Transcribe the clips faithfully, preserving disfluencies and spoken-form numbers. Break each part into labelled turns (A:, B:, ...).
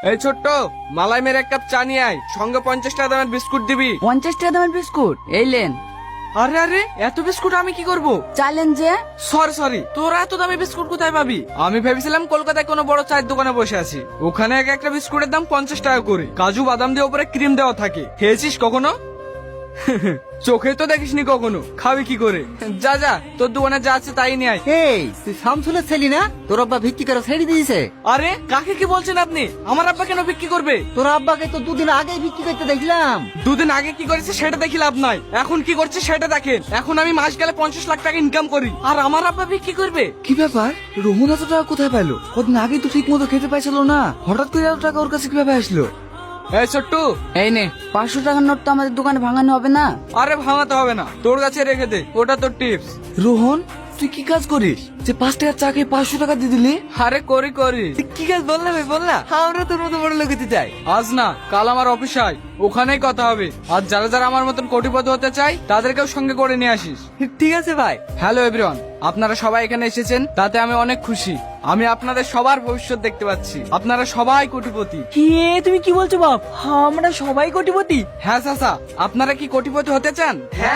A: এই ছোট্ট, মালাই মেরে এক কাপ চা নিয়ে আয়, সঙ্গে পঞ্চাশ টাকা দামের বিস্কুট দিবি।
B: পঞ্চাশ টাকা দামের বিস্কুট এই লেন।
A: আরে আরে, এত বিস্কুট আমি কি করব?
B: চাইলেন যে
A: সরি সরি, তোরা এত দামি বিস্কুট কোথায় পাবি? আমি ভেবেছিলাম কলকাতায় কোনো বড় চায়ের দোকানে বসে আছি, ওখানে এক একটা বিস্কুটের দাম পঞ্চাশ টাকা করে, কাজু বাদাম দিয়ে উপরে ক্রিম দেওয়া থাকে। খেয়েছিস কখনো? চোখে তো দেখিসনি কখনো, খাবি কি করে? যা যা, তোর দোকানে যা আছে তাই নিয়ে আয়।
C: এই তুই শামসুলের ছেলি না? তোর আব্বা ভিক্ষি করে ছেড়ে দিয়েছে।
A: আরে কাকে কি বলছেন আপনি? আমার আব্বা কেন বিক্রি করবে?
C: তোর আব্বাকে তো দুদিন আগেই ভিক্ষি করতে দেখলাম।
A: দুদিন আগে কি করেছে সেটা দেখি লাভ নাই, এখন কি করছে সেটা দেখেন। এখন আমি মাস গেলে পঞ্চাশ লাখ টাকা ইনকাম করি, আর আমার আব্বা বিক্রি করবে?
D: কি ব্যাপার, রোহন এত টাকা কোথায় পাইলো? কদিন আগেই তো ঠিক মতো খেতে পাইছিল না, হঠাৎ করে এত টাকা ওর কাছে কিভাবে আসলো?
A: এই ছোট্টু,
B: এই নে পাঁচশো টাকার নোট তো আমাদের দোকানে ভাঙানো হবে না।
A: আরে ভাঙাতে হবে না, তোর কাছে রেখে দে, ওটা তোর টিপস।
D: রোহন তুই কি কাজ করিস যে পাঁচ টাকার চা খেয়ে পাঁচশো টাকা দিয়ে দিলি?
A: আরে করি করি।
D: কি কাজ বললা ভাই, বললা, আমরা তোর মতো বড় লোক হতে চাই।
A: আজ না কাল আমার অফিস আয়, ওখানেই কথা হবে। আর যারা যারা আমার মতন কোটিপতি হতে চাই তাদেরকেও সঙ্গে করে নিয়ে আসিস।
D: ঠিক আছে ভাই।
A: হ্যালো এভরিওয়ান, আপনারা সবাই এখানে এসেছেন, তাতে আমি অনেক খুশি। আমি আপনাদের সবার ভবিষ্যৎ দেখতে পাচ্ছি, আপনারা সবাই কোটিপতি।
B: কি তুমি কি বলছো বাপ? আমরা সবাই কোটিপতি?
A: হ্যাঁ চাচা, আপনারা কি কোটিপতি হতে চান?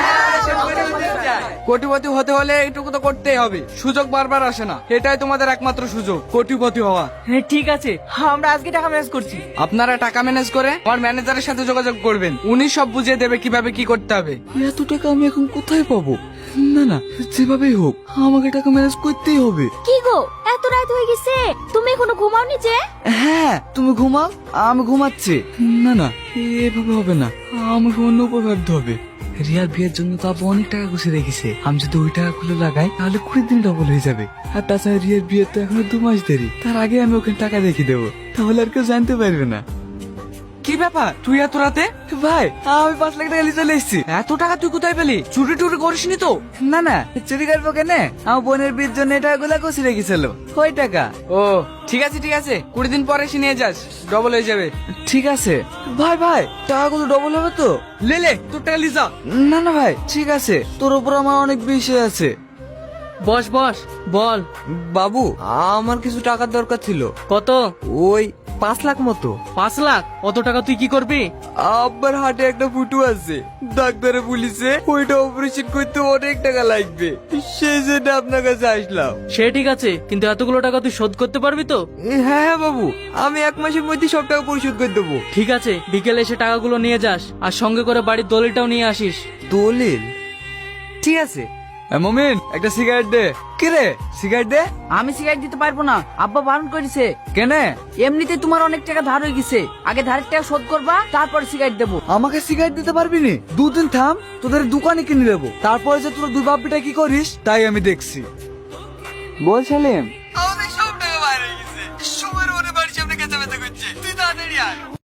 A: কোটিপতি হতে হলে এইটুকু তো করতেই হবে, সুযোগ বারবার আসে না, এটাই তোমাদের একমাত্র সুযোগ কোটিপতি হওয়া।
B: হ্যাঁ ঠিক আছে, আমরা আজকে টাকা ম্যানেজ করছি।
A: আপনারা টাকা ম্যানেজ করে আমার ম্যানেজারের সাথে যোগাযোগ করবেন, উনি সব বুঝিয়ে দেবে কিভাবে কি করতে হবে।
D: এত টাকা আমি এখন কোথায় পাবো? না না, যেভাবেই হোক আমাকে টাকা ম্যানেজ করতেই হবে।
E: কি গো, এত রাত হয়ে গেছে, তুমি এখনো ঘুমাওনি যে?
D: হ্যাঁ তুমি ঘুমাও, আমি ঘুমাচ্ছি। না না, এভাবে হবে না, আমাকে অন্য উপায় ভাবতে হবে। রিয়ার বিয়ের জন্য তো আপু অনেক টাকা গুছিয়ে রেখেছে, আমি যদি ওই টাকা গুলো লাগাই তাহলে কুড়ি দিন ডবল হয়ে যাবে। আর তাছাড়া রিয়ার বিয়ের তো এখনো দু মাস দেরি, তার আগে আমি ওখানে টাকা রেখে দেবো, তাহলে আর কেউ জানতে পারবে না।
A: কি ব্যাপার, তুই এত রাতে?
D: ভাই আমি পাঁচ লাখ টাকা নিয়ে চলে এসেছি।
A: এত টাকা তুই কোথায় পেলি? চুরি টুরি করিসনি তো?
D: না না, চুরি করবো কেন, আমার বোনের বিয়ের জন্য এই টাকাগুলো গুছিয়ে রেখেছিল, ওই টাকা।
A: ও ঠিক আছে ঠিক আছে, কুড়ি দিন পরে এসে নিয়ে যাস, ডবল হয়ে যাবে।
D: ঠিক আছে ভাই, ভাই টাকাগুলো ডবল হবে তো?
A: লে লে, তোর টাকা লিজা।
D: না না ভাই, ঠিক আছে, তোর উপর আমার অনেক বিশ্বাস আছে।
B: বস বস, বল।
D: বাবু আমার কিছু টাকার দরকার ছিল।
B: কত?
D: ওই পাঁচ লাখ মতো।
B: পাঁচ লাখ? অত টাকা তুই কি করবি?
D: আব্বার হাটে একটা ফুটু আছে, ডাক্তারে বলিছে ওইটা অপারেশন করতে অনেক টাকা লাগবে, সেই জন্য আপনার কাছে আসলাম।
B: সে ঠিক আছে, কিন্তু এতগুলো টাকা তুই শোধ করতে পারবি তো?
D: হ্যাঁ হ্যাঁ বাবু, আমি এক মাসের মধ্যে সব টাকা পরিশোধ করে দেবো।
B: ঠিক আছে, বিকেলে এসে টাকাগুলো নিয়ে যাস, আর সঙ্গে করে বাড়ির দলিলটাও নিয়ে আসিস।
D: দলিল? ঠিক আছে। মমিন একটা সিগারেট দে। কি রে, সিগারেট দে।
B: আমি সিগারেট দিতে পারবো না, আব্বা বারণ করেছে।
D: কেনে?
B: এমনিতে তোমার অনেক টাকা ধার হয়ে গেছে, আগে ধারের টাকা শোধ করবা, তারপর সিগারেট দেবো।
D: আমাকে সিগারেট দিতে পারবি নি? দুদিন থাম, তোদের দোকানে কিনে দেবো, তারপরে যে তোর দুই বাপ্পিটা কি করিস তাই আমি দেখছি। বল সালেম। আমাদের সব টাকা বাইরে গেছে, সময়ের ওরে বাড়ির সামনে গেছে বেঁচে করছে, তুই তাড়াতাড়ি আয়।